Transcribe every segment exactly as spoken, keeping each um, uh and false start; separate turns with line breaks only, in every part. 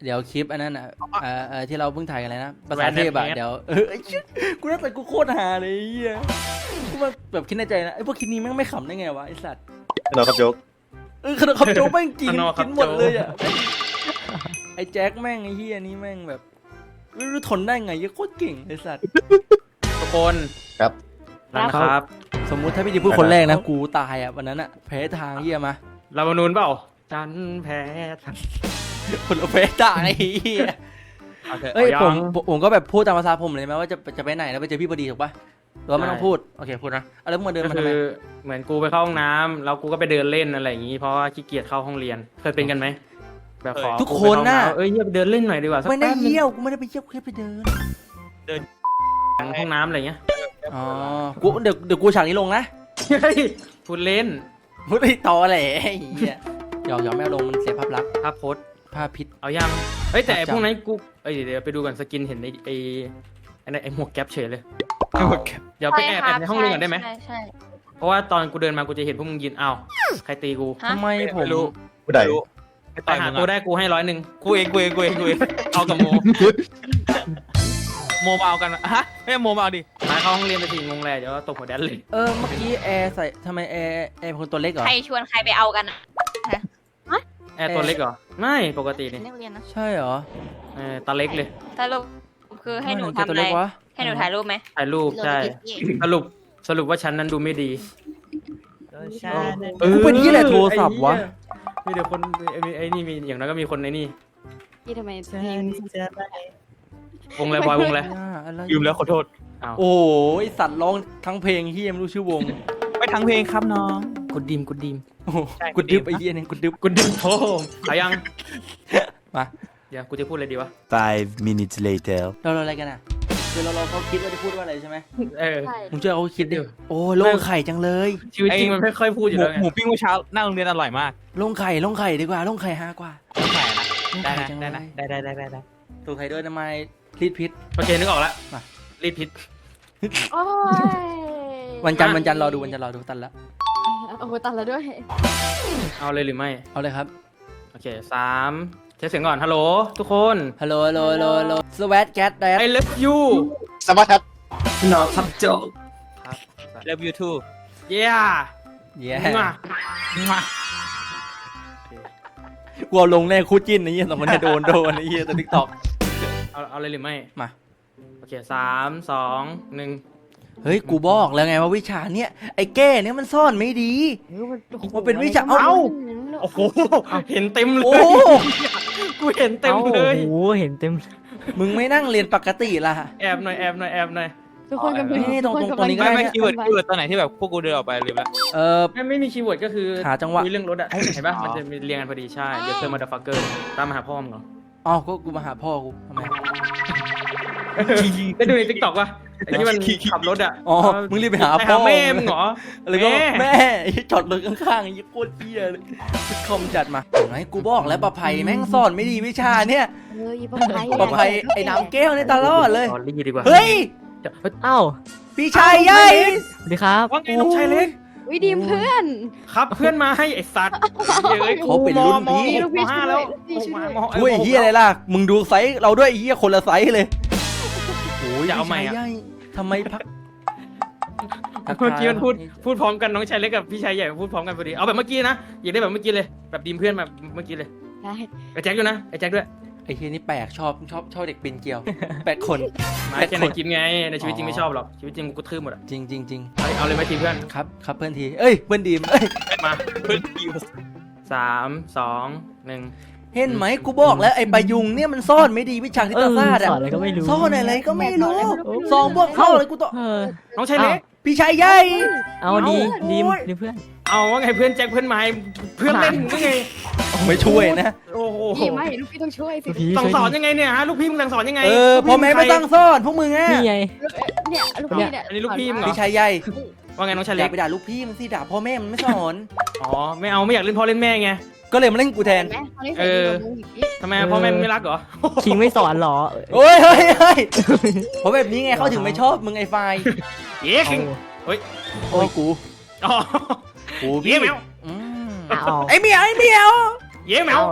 เดี๋ยวคลิปอันนั้นอ่ะเออเออที่เราเพิ่งถ่ายกันเลยนะภาษาเทพอ่ะเดี๋ยวเออไอ้ชิกูน่าใส่กูโคตรฮาเลยไอ้เหี้ยกูมาแบบคิดในใจนะไอ้พวกคลิปนี้แม่งไม่ขำได้ไงวะไอ้สัตว์
นอนครับโจ๊ก
เออขนมขับโจ๊กแม่งกินกินหมดเลยอ่ะไอ้แจ็คแม่งไอ้เหี้ยนี่แม่งแบบไม่รู้ทนได้ไงยังโคตรเก่งไอ้สัตว์
ทุกคน
ครับ
นะครับ
สมมุติถ้าพี่ดีพูดคนแรกนะกูตายอ่ะวันนั้นอ่ะแพ้ทางเหี้ยมา
เรามานูนเปล่าจันแพ้ทาง
คนละแพ้ทางไอ้เหี้ย
เอาเถอะ
เอ้ย
อา
ผ
ยั
ม
ง
ผมก็แบบพูดตามภาษาผมเลยไหมว่าจะจะไปไหนแล้วไปเจอพี่พอดีถูกปะหรือว่าไม่ต้องพูดโอเคพูดนะเอาแล้วมึงมาเดิน
ก็
มาทำ
คื
ไม
อเหมือนกูไปเข้าห้องน้ำแล้วกูก็ไปเดินเล่นอะไรอย่างงี้เพราะว่าขี้เกียจเข้าห้องเรียนเคยเป็นกันไหมแบบขอ
ทุกคนน่ะ
เอ้ยเยี่ยไปเดินเล่นหน่อยดีกว่าสัก
ไม่ได้
แป๊บนึง
เยี่ยวกูไม่ได้ไปเยี่ยวกูแค่ไปเดิน
ห้องน้ำอะไรเงี้ย
อ๋อกูเดี๋ยวเดี๋ยวกูฉากนี้ลงนะ
เฮ้ยพูดเล่น
พูดไอ้ตอแหละไอ้เหี้ยหยอกหยอกแม่ลงมันเสียภาพลักษณ์
ภาพโพสต์
ภาพพิษ
เอายังเฮ้ยแต่ไอ้
ครับ
พวกนั้นกูเอ้ยเดี๋ยวไปดูก่อนสกินเห็นไอ้ไอ้ไอ้นั่นไอ้หมวกแก๊ปเฉยเลยเดี๋ยวไปแอบแอบในห้องนึงก่อนได้ไหม
ใช่ใช่
เพราะว่าตอนกูเดินมากูจะเห็นพวกมึงยืนอ้าวใครตีกู
ฮะ
ทำไมผม
ผู้ใด
ไปหาตัวได้กูให้ร้อยหนึ่ง
กูเองกูเองกูเองกูเอง
เอากับโม
โมมาเอากันอะฮะไม่โมมาเอาดิ
มาเข้าห้องเรียนไปทีงงแลเดี๋ยวตบหัวแดนเลย
เออเมื่อกี้แอร์ใส่ทำไมแอร์แอร์เป็นคนตัวเล็กเหรอ
ใครชวนใครไปเอากันอ่ะ
แอร์ตัวเล็กเหรอไม่ปกตินี่
นักเรียนนะ
ใช่เหรอ
เออตาเล็กเลย
สรุปคือให้หนู
ทำไม
ทำ
ตัว
อะไร
เล็กวะ
ให้หนูถ่ายรูปไหม
ถ่ายรูปใช่สรุปสรุปว่าฉันนั้นดูไม่ดี
ใช่
กูเป็นที่แหละโทรศัพท์วะ
มีเดี๋ยวคนไอ้ไอ้นี่มีอย่างนั้นก็มีคนในนี่
พี่ทำไมเพลง
วงอะไรบอยวงอะไร
อ่าอะไร
ลืมแล้วขอโทษ
อ้าว
โอ้ยสัตว์ร้องทั้งเพลงเฮียไม่รู้ชื่อวง
ไปทั้งเพลงครับน้อง
กดดิมกดดิม
โอ้โห
ใช่
กูดึบไอ้เฮียเนี่ยกูดึบ
กดดิมโธ่เอายัง
มา
เดี๋ยวกูจะพูดอะไรดีวะ
Five minutes later.
เราเราอะไรกันอ่ะคือเราเราเขาคิดว่าจะพูดว่าอะไรใช่ไหม
เออ
ใช่
มึงเชื่อเขาคิดดิโอ้ยโล่งไข่จังเลย
ชีวิตจริงมันไม่ค่อยพูดอ
ห
ยู่
มู
แล้วไง
หมูปิ้งเมื่อเช้าหน้าโรงเรียนอร่อยมาก
โล่งไข่โล่งไข่ดีกว่าโล่งไข่ฮากว่า
ต้องแข่นะ
โล่ง
ได้
ไข่
นะ
จัง
ได้
เล
นะ
ย
ได้ได้ได้ได้ได้
ตัวไข่ด้วยทำไมรีดพิษ
โอเคนึกออกแล้ว
มา
รีดพิษ
โอ้ย
วันจันทร์วันจันทร์รอดูวันจันทร์รอดูตันละ
โอ้โหตัดแล้วด้วย
เอาเลยหรือไม่
เอาเลยครับ
โอเคสามเช็คเสียงก่อนฮัลโหลทุกคน
ฮัลโหลฮัลโหลฮัลโหลฮัลโหลสวัสดีแกดแดด
I love you
สวัสดีครับ
นอครับโจครับ
เลิฟยูทู
เย้
เย้
มามา
กูเอาลงแน่คู่จิ้นไอ้เหี้ยสองคนเนี่ยโดนโดนไอ้เหี้ยตัวทิกตอก
เอาเอาเลยหรือไม่
มา
โอเคสามสองหนึ่ง
เฮ้ยกูบอกแล้วไงว่าวิชาเนี้ยไอ้แก้เนี่ยมันซ่อนไม่ดี มันเป็นวิชาเอ้า
โอ้โหเห็นเต็มเล
โอ้
ยกูเห็นเต็มเลย
โอ้โหเห็นเต็ม
มึงไม่นั่งเรียนปกติล่ะ
แอบหน่อยแอบหน่อยแอบหน่อย
ทุกคนกัน
เอ้ยตรงตรงตรงนี้ก็
ไม่
ด้
ไม่คีย์เวิร์ดคีย์เวิร์ดตอนไหนที่แบบพวกกูเดินออกไปลืมละ
เออ
ไม่ไม่มีคีย์เวิร์ดก็คือ
หาจังหวะ
คุยเรื่องรถอะเห็นปะมันจะมีเรียงกันพอดีใช่เดี๋ยวเจอมาดฟักเกอร์ตามมาหาพ่อมึงเหรอ
อ๋อก็กูมาหาพ่อกูทำไม
ได้ดูในทิกตอกปะไอ้ที่มันขับรถอะ
อ๋อมึงรีบไปหาพ่อ
แม่มึงเหรอ
อะไรก็
แม่
แม่ไอ้จอดรถข้างๆไอ้โคตรเหี้ยเลยคอมจัดมาเห็นไหมกูบอกแล้วประภัยแม่งซ่อนไม่ดีวิชาเนี่ย
เอออีปะไพ
ประภัยไอ้น้ำแก้วเนี่ยตลอดเลย
ตอนรีดีกว่า
เฮ้ย
เดี๋ยว
เอ้า
พี่ชายใหญ่
สวัสดีครับ
ว่าไงน้องชายเล็ก
วิดีมเพื่อน
ครับเพื่อนมาให้ไอ้สัตว์เฮ้ย
เขาเป็นรุ่นพี่
มมห้าแล้ว
พี่ช่วย
มม
ช่วยไอ้เฮียอะไรล่ะ มึงดูไซส์เราด้วยไอ้เฮียคนละไซส์เลยโอ้ย
อย่าเอาใหม่
พี่
อะ
ชยใญ่ทำไมพัก
เมื่อกี้มันพูดพูดพร้อมกันน้องชายเล็กกับพี่ชายใหญ่พูดพร้อมกันพอดีเอาแบบเมื่อกี้นะอยากได้แบบเมื่อกี้เลยแบบดีมเพื่อนแบบเมื่อกี้เลย
ได้
ไอ้แจ็คด้วยนะไอ้แจ็คด้วย
ไอ้เฮียนี่แปลกชอบชอบชอบเด็กปีนเกลียว แปลกคน
มาแค่ในกินไงในชีวิตจริงไม่ชอบหรอกชีวิตจริงกูกระทืบหมดอ่ะ
จริงจริงจริง
เอาเอาเลยไหมทีมเพื่อน
ครับครับเพื่อนทีเอ้ยเพื่อนดีมเอ้ย
มา
เพื่อนคิว
สามสองหนึ่ง
เห็นไหมกูบอกแล้วไอ้ปายุงเนี่ยมันซ่อนไม่ดีวิชาที่ตาซาด
ส
อะ
อนอะไรก็ไม่รู้
ซ่อนอะไรก็ไม่รู้สองบวกเข้าเลยกูต้อง
เออ
น้องชายเล็ก
พี่ชายใหญ่
เอาดี
เอา
ดีม
โอ้ย
ดีเพื่อน
เอาว่าไงเพื่อนแจ็คเพื่อนไม้เพื่อนเล่นก็ไง
ไม่ช่วยนะ
โอ้โห
พี่ไม่ลูกพี่ต้องช่วยสิ
พี่
สั่ง
ช่วย
สอน
ดิ
ยังไงเนี่ยฮะลูกพี่มึงสั่งสอนยังไง
เออพ่อแม่ไม่ตั้งซ่อนพวกมึงอะ
นี่ไง
เนี่ยลูกพี่เนี่ย
อันนี้ลูกพี่มึงเหรอ
พี่ชายใหญ่
ว่าไงน้องชาย
อ
เล็
ย่าก ไปด่าลูกพี่มันสิด่าพ่อแม่มันไม่สอน
อ๋อไม่เอาไม่อยากเล่นพ่อเล่นแม่ไง
ก็เลยมาเล่นกูแทน
เออ
ทำไมพ่อแม่มึงไม่รักเหรอ
คิงไม่สอนเหรอ
โอ้ยเฮ้ยเฮ้ยเพราะแบบนี้ไงเขาถึงไม่ชอบมึงไอ้ไฟ
เย้คิง
โอ้ยกู
อ๋อ
กู
เย้
พี่
แมว
อืม
เอา
ไอ้เหมียวไอ้เหมียว
เย้แมว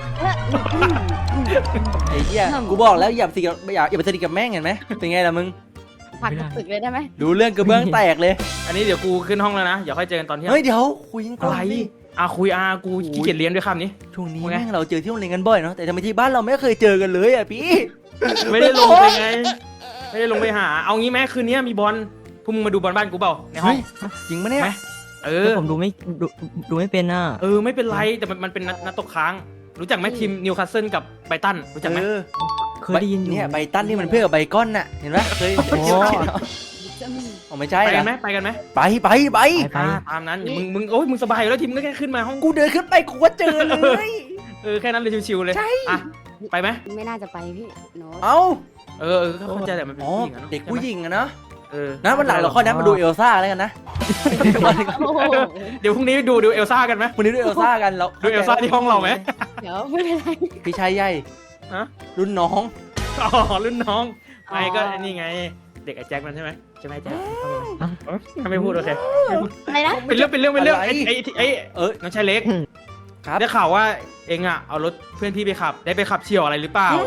ไอ้เหี้ยกูบอกแล้วอย่าสนิทกับอย่าอย่าไปสนิทกับแม่งเห็นไหมเป็นไงล่ะมึง
ผักตึกเลยได้ไหม
ดูเรื่องกระเบื้องแตกเลย
อันนี้เดี๋ยวกูขึ้นห้องแล้วนะเดี๋ยวค่อยเจอกันตอนเที่ยง
เฮ้ยเดี๋ยวคุยกันก่
อะ
อน
ไร
ดิ
อ่ะคุยอ่ะกูขี้เกียจเรียนด้วยคำนี้
ช่วงนี้
ว่าไง
แม่งเราเจอที่โรงเรียนกันบ่อยเนาะแต่ทำไมที่บ้านเราไม่เคยเจอกันเลยอ่ะพี่
ไม่ได้ลงไปไงไม่ได้ลงไปหาเอางี้ไหมคืนนี้มีบอลพวกมึงมาดูบอลบ้านกูเปล่าในห้อง
เฮ้ยจริงปะเนี่ย
ไหม เออ
แต่ผมดูไม่ดูดูไม่เป็นน่ะ
เออไม่เป็นไรแต่มันมันเป็นนัดนัดตกค้าง รู้จักไหมทีมนิวคาสเซิลกับไบรตันรู้จักไหม
เออ
เคยได้ยินอยู่
เนี่ยใบตันนี่มันเพื่อนกับใบก้อนน่ะเห็นปะเคย
โอ้
จะมี
อ๋อไม่ใช่
ไปกัน
นะ
ไหมไปกันไหม
ไปไปไป
ไปไป
อ่าตามนั้นอย่ามึงมึงโอ้ยมึงสบายอยู่แล้วทีมก็แค่ขึ้นมาห้อง
กูเดินขึ้นไปกูก็เจอเลย
เออแค่นั้นเลยชิวๆเลย
ใช่
อ่ะไปไหม
ไม่น่าจะไปพี่โน้ต
เอ้า
เออเออเข้าใจแต่มันเป็น
อ๋อ
ผู้หญิงอะเนอะ
เด็กผู้หญิงอะเนาะ
เออ
นะวันหลังเราค่อยนัดมาดูเอลซ่าแล้วกันนะ
โอ้โห
เดี๋ยวพรุ่งนี้ดูดูเอลซ่ากันไหม
วันนี้ดูเอลซ่ากันเรา
ดูเอลซ่าที่ห้องเราไหม
เดี๋ยวไม่เป็นไร
พี่ชายใหญ่
ฮะ
รุ่นน้อง
อ๋อรุ่นน้อง
อ๋อ
ไอ้ก็นี่ไง เด็กไอ้แจ็คมันใช่ไหมใช่ไหมแจ็คถ้าไม่พูดโอเค
อะไรนะ
เป็นเรื่องเป็นเรื่องเป็นเรื่องไอ้ไอ้ไอ้
เออ
น้องชายเล็ก
ครับ
ได้ข่าวว่าเองอ่ะเอารถเพื่อนพี่ไปขับ ได้ไปขับเฉี่ยวอะไรหรือเปล่า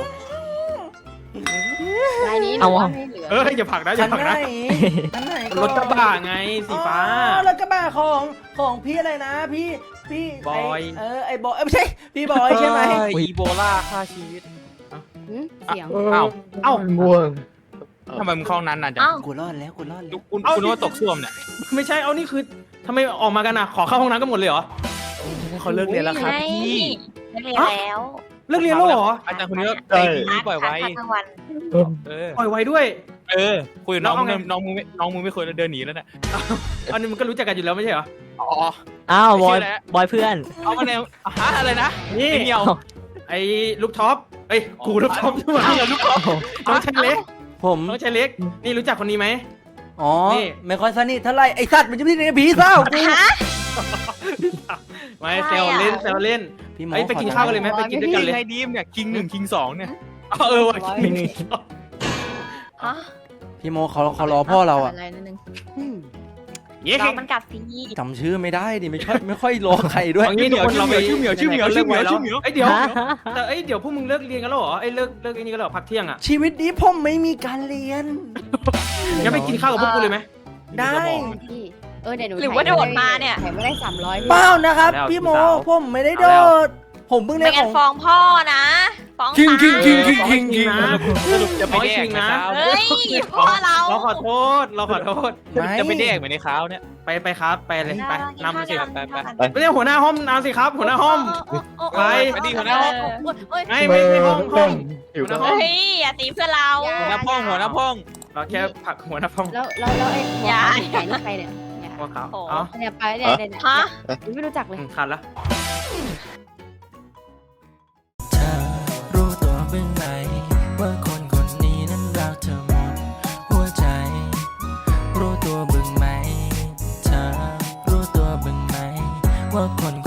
รายนี้หนู
เอา
ว่า
อะ
ไม่เหลือ
เอออย่าผลักนะอ
คั
ย่าน ผลัก
ไหน
นะ
คันไหน
รถกระบะไงสีฟ้า
อ๋อรถกระบะของของพี่อะไรนะ พี่พี่ไ
บอย
เออไอ้บอยเอ้ยไม่ใช่พี่บอยใช่ไหม
อีโบลาฆ่าชีวิต
หืมเสียง
อ้าว
เอ้า
ทำไมมึงเข้านั้นนานจัง
เอ้า
กูรอดแล้วกูรอดแล้ว
คุณ
เอา
คุณว่าตกซ่วมเนี่ย
ไม่ใช่เอานี่คือทำไมออกมากันอ่ะขอเข้าห้องน้ำกันหมดเลยเหรอ
เขาเลิกเรียนแล้วครับ
ไง
พี่
เลิกเรียนแล้ว
เลิกเรียนแล้วเหรอ
อาจารย์คนนี้ก็
ใช่
ไปทีนี้ปล่อยไว้
พักกลางวัน
เออ
ปล่อยไว้ด้วย
เออคุยกับน้อง
แล้วเอาไง
น้องมึงไม่น้องมึงไม่เคยเดินหนีแล้วเนี่ย
อันนี้มันก็รู้จักกันอยู่แล้วไม่ใช่เหรอ
อ๋อ
อ้าวบอย
ไม่เชื่อแล้ว
บอยเพื่อน
เอามาแนวฮะอะไรนะ
นี่
ไอ้เหี่ยว
ไอ้ลูกท็อปเอ้ยกูลูกท็อปใช่ไหม
เหี่ยวลูกคอ
น้องชายเล็ก
ผม
น้องชายเล็ก นี่รู้จักคนนี้ไหม
อ๋อ
นี่
ไม่ค่อยสนิทเท่าไหร่ไอ้สัตว์มันจะไม่ได้ผีเศร้ากู
ไม่เซลเล่นเซลเล่น
พี่หมอ
เอ้ยไปกินข้าวกันเลยไหมไปกินด้วยกันเลย
ไงดีมเนี่ยคิงหนึ่งคิงสองเนี่ย
เออว่ะกิน
ฮะ
พี่โมเขาเขารอพ่อเราอะ
อะไรนิดนึง
อืม
เย้
รอมันกลับสิ
จำชื่อไม่ได้ดิไม่ค่อยไม่ค่อยรอใครด้วย
เอางี้ทุกคนเราไป
ชื่อเหมียวชื่อเหมียวชื่อเหมียวชื่อเหมียว
เอ้ยเดี๋ยว
ฮะ
แต่เอ้ยเดี๋ยวพวกมึงเลิกเรียนกันแล้วเหรอเอ้ยเลิกเลิกไอ้นี่กันแล้วเหรอพักเที่ยงอ่ะ
ชีวิตนี้ผมไม่มีการเรียน
งั้นไปกินข้าวกับพวกกูเลยไหม
ได้
พี่เออเดี๋ยวหนู
หรือว่าโดดมาเนี่ย
ถ่ายไม่ได้สามร้อย
เปล่านะครับ
แล้ว
พี่โม
สาว
ผมไม่ได้โดด ผมเพิ่ง
ไม่
ได้ข
งั้น
อง
ฟ้องพ่อนะฟ้อง
คิง
ตา
คิงคิงคิง
คิงคิงนะ
สรุปจะไปแดกไหมครับ
เฮ้ยพ่อเรา
เราขอโทษเราขอโทษ
ไม่
จะไปแดกเหมือนในข้าวเนี่ย
ไปไปครับไปเลยไปนำสิ
ไปไป
ไม่ใช่หัวหน้าห้องนำสิครับ หัวหน้าห้อง ไป
ไปดีหัวหน้าห้อง
โอ๊ย
ไม่ไม่ไม่ห้องห้อง
อยู่
หัวห
กั
น้าน ห้อง
เฮ้ยอย่าตีเพื่อนเรา
หัวหน้าพ่องหัวหน้าพ่อง
เราแค่ผลักหัวหน้าห้อง
แล้วแล้วแล้วไอ้หัว
อย่า
ขาไก่นี่ใครเนี่ยเนี่ย
ว่าเขา
โอ้
อ๋อ
เนี่ยไปเนี่ยเนี่ยเนี่ย
ฮะ
ไม่รู้จักเลย
ขาดละ
เธอรู้ตัวบ้างไหมว่าคนคนนี้นั้นรักเธอหมดหัวใจ รู้ตัวบ้างไหมเธอรู้ตัวบ้างไหมว่าคน